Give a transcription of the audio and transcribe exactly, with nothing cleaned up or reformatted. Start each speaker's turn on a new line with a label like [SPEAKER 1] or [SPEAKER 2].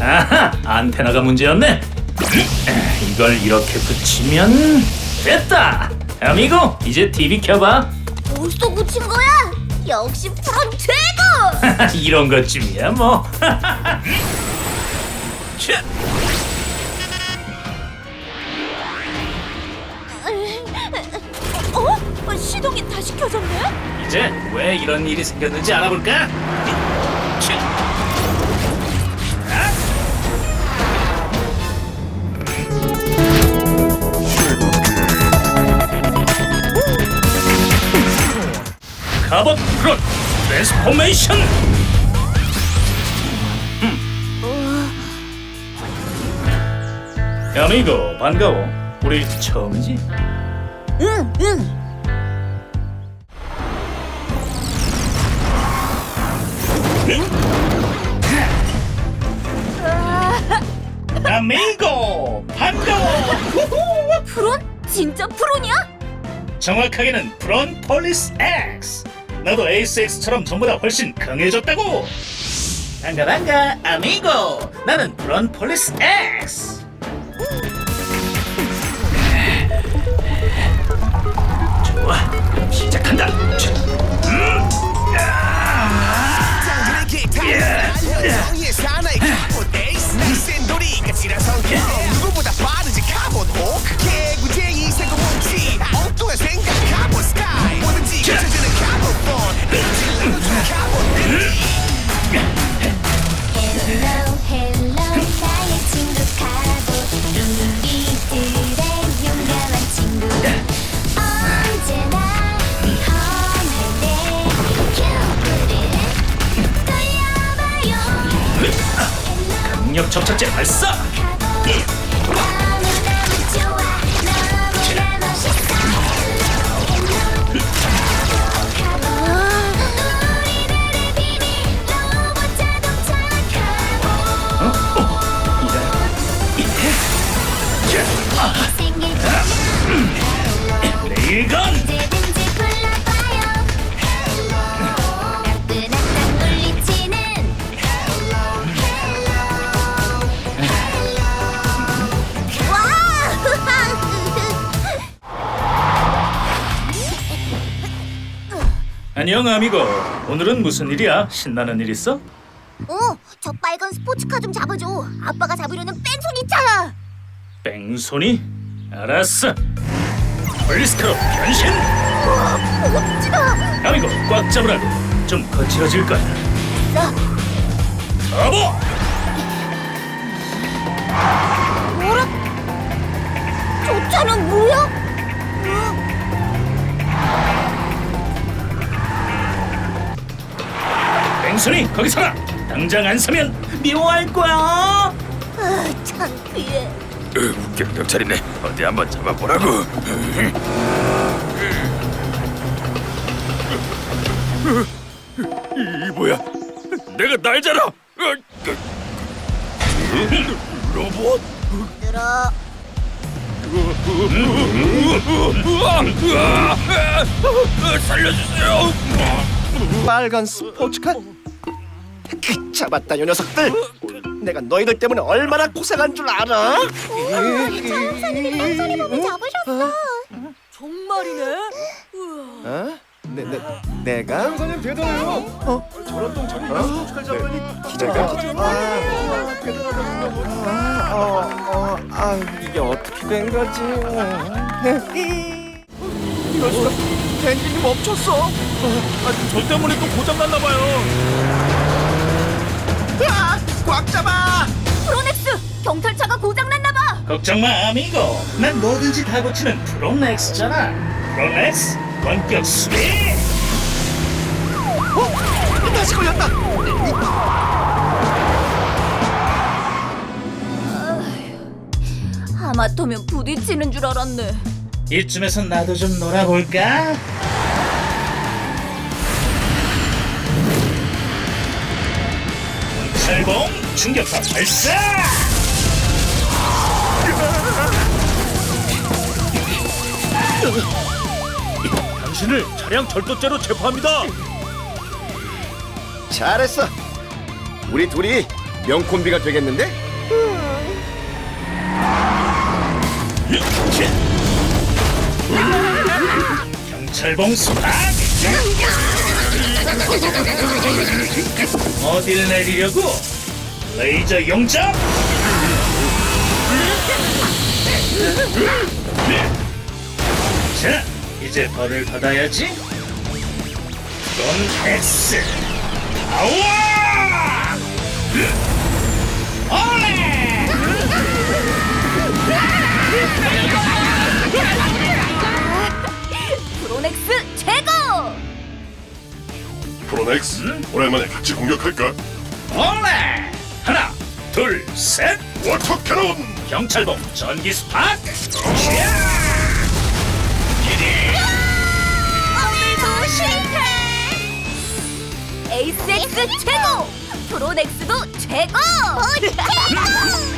[SPEAKER 1] 아하, 안테나가 문제였네. 이걸 이렇게 붙이면 됐다. 아미고, 이제 티비 켜봐.
[SPEAKER 2] 벌써 붙인 거야? 역시 프로 최고!
[SPEAKER 1] 이런 것쯤이야 뭐. 차.
[SPEAKER 2] 어? 시동이 다시 켜졌네?
[SPEAKER 1] 이제 왜 이런 일이 생겼는지 알아볼까? 차. 카봇 프론 트랜스포메이션. 야미고 반가워. 우리 처음이지?
[SPEAKER 2] 응, 응.
[SPEAKER 1] 야미고 반가워.
[SPEAKER 2] 프론? 진짜 프론이야?
[SPEAKER 1] 정확하게는 프론 폴리스 X. 나도 에이스 X처럼 전보다 훨씬 강해졌다고. 반가 반가 아미고. 나는 프론 폴리스 X. 좋아, 그럼 시작한다. 음.
[SPEAKER 3] 누구보다 빠르지 카봇 호크 개구쟁이 세고뭉치 엉뚱한 생각 카봇 스카이 뭐든지 고쳐지는 카봇 폰 일질러주는 카봇
[SPEAKER 4] 헬로 헬로 나의 친구 카봇 우리들의 용감한 친구 언제나 위험할 때 큐브를 돌려봐요
[SPEAKER 1] 강력 접착제 발사.
[SPEAKER 4] 너무너무 좋아 너무나 멋있어 우리들의 비밀 로봇 자동차 생길
[SPEAKER 1] 레일건.
[SPEAKER 4] 언제든지 불러봐요 따끈한 물리치는
[SPEAKER 1] 안녕 아미고. 오늘은 무슨 일이야? 신나는 일 있어?
[SPEAKER 2] 어, 저 빨간 스포츠카 좀 잡아줘. 아빠가 잡으려는 뺑소니 있잖아.
[SPEAKER 1] 뺑소니? 알았어. 폴리스카로 변신.
[SPEAKER 2] 우와, 멋지다.
[SPEAKER 1] 아미고 꽉 잡으라고. 좀 거칠어질 거야.
[SPEAKER 2] 나
[SPEAKER 1] 터보.
[SPEAKER 2] 뭐라? 저 차는 뭐야? 어?
[SPEAKER 1] 뺑소니 거기 서라. 당장 안 서면 미워할 거야.
[SPEAKER 2] 아, 창피해.
[SPEAKER 5] 웃겨 경찰이네. 어디 한번 잡아보라고. 이 뭐야? 내가 날잖아. 로봇?
[SPEAKER 2] 들어.
[SPEAKER 5] 살려주세요.
[SPEAKER 3] 빨간 스포츠카 그, 잡았다 요 녀석들 내가 너희들 때문에 얼마나 고생한 줄 알아?
[SPEAKER 2] 자동차들이 뺑소니 보고 잡으셨어.
[SPEAKER 6] 정말이네.
[SPEAKER 3] 어? 내, 내, 내가? 형사님 대단해요. 어? 저런 똥차이 스포츠카 잡으니 기자가? 아, 대단하다. 아, 어, 어, 아, 이게 어떻게 된 거지? 이럴 수가. 엔진이 멈췄어.
[SPEAKER 5] 아, 저 때문에 또 고장 났나 봐요.
[SPEAKER 3] 아, 꽉 잡아.
[SPEAKER 2] 프로넥스, 경찰차가 고장났나 봐.
[SPEAKER 1] 걱정 마 아미고. 난 뭐든지 다 고치는 프로넥스잖아. 프로넥스 원격 수리.
[SPEAKER 3] 어? 다시 걸렸다.
[SPEAKER 2] 하마터면 부딪히는 줄 알았네.
[SPEAKER 1] 이쯤에서 나도 좀 놀아볼까? 철봉 충격파 발사! 당신을 차량 절도죄로 체포합니다.
[SPEAKER 3] 잘했어. 우리 둘이 명콤비가 되겠는데?
[SPEAKER 1] 경찰봉 스팍! 어딜 내리려고? 레이저 용접! 자, 이제 벌을 받아야지. 넌 X 아와! 올레!
[SPEAKER 2] 프로넥스 최고!
[SPEAKER 7] 프로넥스, 오랜만에 같이 공격할까?
[SPEAKER 1] 올레! 하나, 둘, 셋!
[SPEAKER 7] 워터 캐논!
[SPEAKER 1] 경찰봉 전기 스팍!
[SPEAKER 2] 오늘도 실패! 에이스엑스 최고! 프로넥스도 최고! 최고!